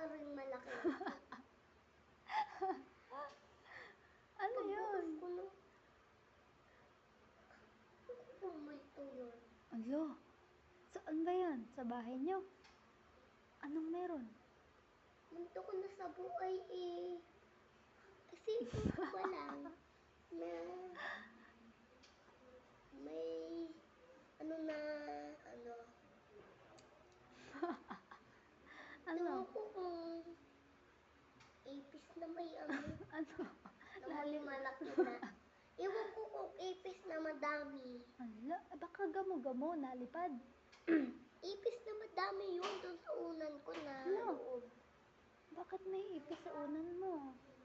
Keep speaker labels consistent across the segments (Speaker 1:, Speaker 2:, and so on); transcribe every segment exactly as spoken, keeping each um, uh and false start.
Speaker 1: rin malaki.
Speaker 2: Ano yun?
Speaker 1: Pagbukas ko na, kumulto yun.
Speaker 2: Alo, saan ba yan? Sa bahay nyo? Anong meron?
Speaker 1: Munto ko na sa buhay eh. Kasi ito ba lang na may ano na ano.
Speaker 2: Ano?
Speaker 1: Ewan ko kung ipis na may ano.
Speaker 2: Ano?
Speaker 1: Na may malaki na. Ewan ko kung ipis na madami.
Speaker 2: Ala, eh, baka gamo-gamo, nalipad.
Speaker 1: Ipis na madami yun doon sa unan ko na
Speaker 2: Ano?
Speaker 1: loob.
Speaker 2: Bakit may ipis sa unan mo?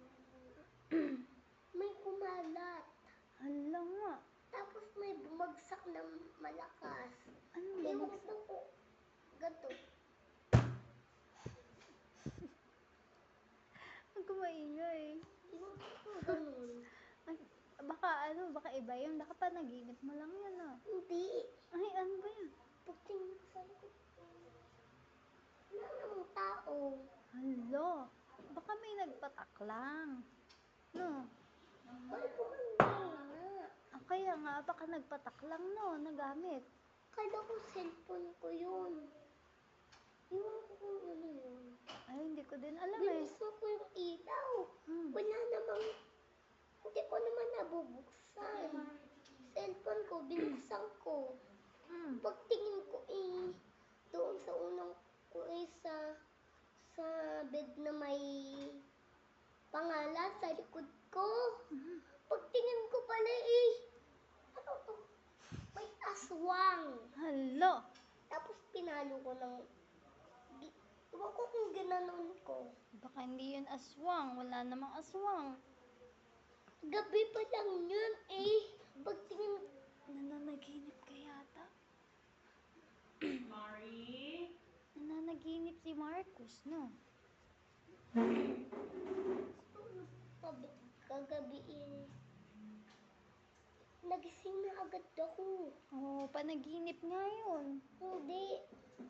Speaker 1: May kumalat.
Speaker 2: Hala nga.
Speaker 1: Tapos may bumagsak na malakas.
Speaker 2: Anong
Speaker 1: Ewan
Speaker 2: bumagsak?
Speaker 1: ko kung ganito.
Speaker 2: Huwag ka maingay.
Speaker 1: Ewan ko kung ganun.
Speaker 2: Ay, baka ano, baka iba yun. Baka panaginip mo lang yan ah.
Speaker 1: Hindi.
Speaker 2: Ay, ano ba yan?
Speaker 1: Pagtingin ko sa likod ko. Wala namang tao.
Speaker 2: Hala, baka may nagpatak lang. No?
Speaker 1: Ay, kumanda na.
Speaker 2: Ah, kaya nga, baka nagpatak lang no, nagamit.
Speaker 1: Kala ko cellphone ko yun. Ewan ko kung ano yun.
Speaker 2: Ay, hindi ko din alam eh.
Speaker 1: Binuksan ko yung ilaw.
Speaker 2: Hmm.
Speaker 1: Wala namang, hindi ko naman nabubuksan. Cellphone ko, binuksan ko.
Speaker 2: Hmm.
Speaker 1: Pagtingin ko eh, doon sa unang ko eh, sa, sa bed na may pangalan sa likod ko.
Speaker 2: Mhm.
Speaker 1: Pagtingin ko pala eh, ano to? May aswang.
Speaker 2: Hala.
Speaker 1: Tapos pinalo ko ng, gi- ewan ko kung ginanon ko.
Speaker 2: Baka hindi yun aswang. Wala namang aswang.
Speaker 1: Gabi pa lang yun eh. Pagtingin,
Speaker 2: Nananaginip ka yata.
Speaker 3: Mari?
Speaker 2: Nananaginip si Marcos, no?
Speaker 1: Kab- kagabi eh. Nagising na agad ako.
Speaker 2: Oh, panaginip nga yun.
Speaker 1: Hindi.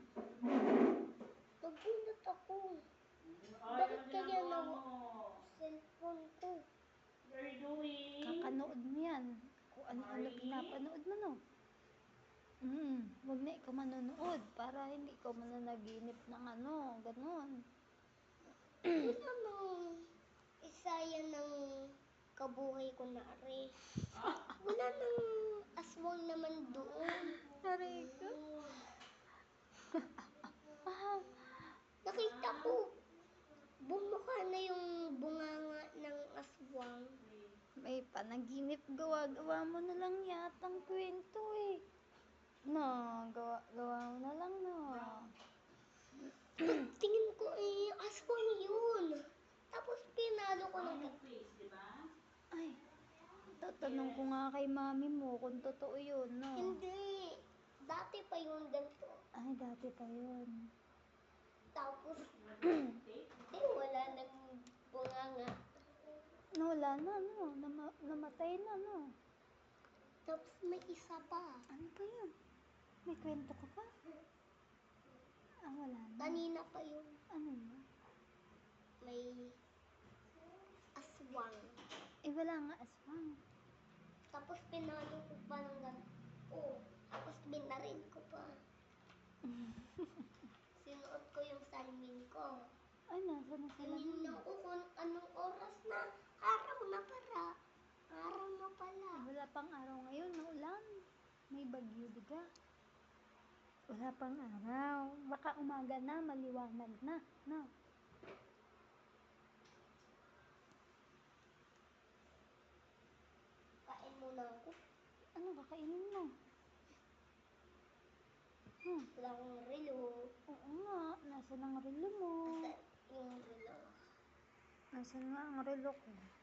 Speaker 1: Nagulat ako.
Speaker 3: Ay,
Speaker 1: Bakit
Speaker 3: ano
Speaker 1: kaya
Speaker 3: ginagawa
Speaker 1: nawa
Speaker 3: mo?
Speaker 1: cellphone ko?
Speaker 3: What are you doing?
Speaker 2: Kakanood mo yan. Kung ano-ano
Speaker 3: Mari?
Speaker 2: pinapanood mo, no? Hmm, huwag na ikaw manonood para hindi ikaw mananaginip ng ano, ganun.
Speaker 1: Wala nang isaya ng kabuhay ko na ari. Wala nang aswang naman doon.
Speaker 2: Aray ko. Ah,
Speaker 1: Nakita ko, bumuka na yung bunganga ng aswang.
Speaker 2: may panaginip, gawa-gawa mo na lang yatang kwento eh. No, gawa, gawa mo na lang, no.
Speaker 1: Pagtingin ko eh, aswang yun. Tapos pinalo ko ng
Speaker 3: Face, di ba?
Speaker 2: Ay, tatanong ko nga kay mami mo kung totoo yun, no.
Speaker 1: Hindi. Dati pa yun ganito.
Speaker 2: Ay, dati pa yun.
Speaker 1: Tapos, eh, wala nang bunganga.
Speaker 2: No, wala na, no. Nama, namatay na, no.
Speaker 1: Tapos may isa pa.
Speaker 2: Ano ba yun? May kwento ka pa? Ah, wala na.
Speaker 1: Kanina pa yun.
Speaker 2: Ano yun?
Speaker 1: May aswang.
Speaker 2: Eh, wala nga aswang.
Speaker 1: Tapos pinalo ko pa ng ganito. Oh, tapos binarin ko pa. Sinuot ko yung salmin ko.
Speaker 2: Ay, nasa na sila
Speaker 1: Tinignan ko kung anong oras na. Araw na para. Araw na pala.
Speaker 2: Wala pang araw ngayon, maulan. May bagyo, diga. Wala pang araw. Baka umaga na, maliwanag na, no?
Speaker 1: Kain muna ako.
Speaker 2: Ano kakainin mo? Hmm,
Speaker 1: Wala akong relo.
Speaker 2: oo nga. Nasaan ang relo mo?
Speaker 1: Basta yung relo.
Speaker 2: Nasaan nga ang relo ko?